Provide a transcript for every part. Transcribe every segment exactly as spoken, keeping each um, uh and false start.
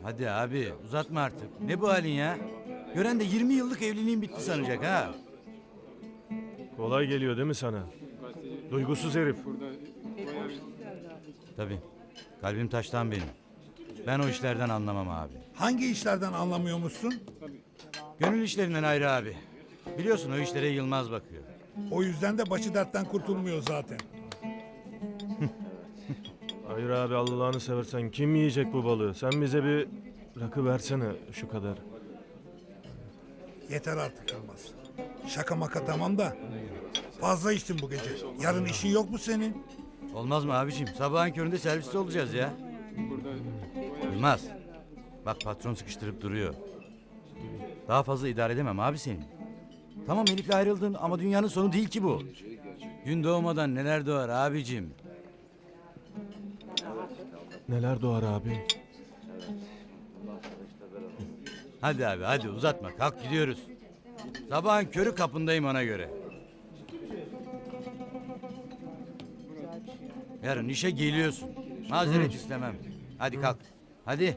Hadi abi uzatma artık. Ne bu halin ya? Gören de yirmi yıllık evliliğin bitti sanacak ha. Kolay geliyor değil mi sana? Duygusuz herif. Tabii. Kalbim taştan benim. Ben o işlerden anlamam abi. Hangi işlerden anlamıyormuşsun? Gönül işlerinden ayrı abi. Biliyorsun o işlere Yılmaz bakıyor. O yüzden de başı dertten kurtulmuyor zaten. Hayır abi, Allah'ını seversen kim yiyecek bu balığı? Sen bize bir rakı versene şu kadar. Yeter artık Yılmaz. Şaka maka tamam da. Fazla içtin bu gece. Yarın işin yok mu senin? Olmaz mı abicim? Sabahın köründe serviste olacağız ya. Yılmaz. Bak patron sıkıştırıp duruyor. Daha fazla idare edemem abi senin. Tamam Elif'le ayrıldın ama dünyanın sonu değil ki bu. Gün doğmadan neler doğar abicim. Neler doğar abi? Hadi abi hadi uzatma kalk gidiyoruz. Sabahın körü kapındayım ona göre. Yarın işe geliyorsun. Mazeret istemem. Hadi kalk. Hadi.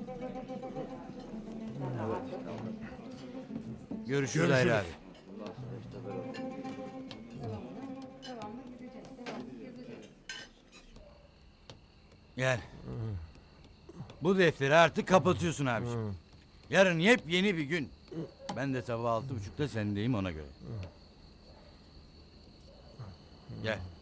Görüşürüz Görüşürüz. Hayri abi. Gel. Bu defteri artık kapatıyorsun abiciğim. Yarın yepyeni bir gün. Ben de sabah altı buçukta sendeyim ona göre. Gel.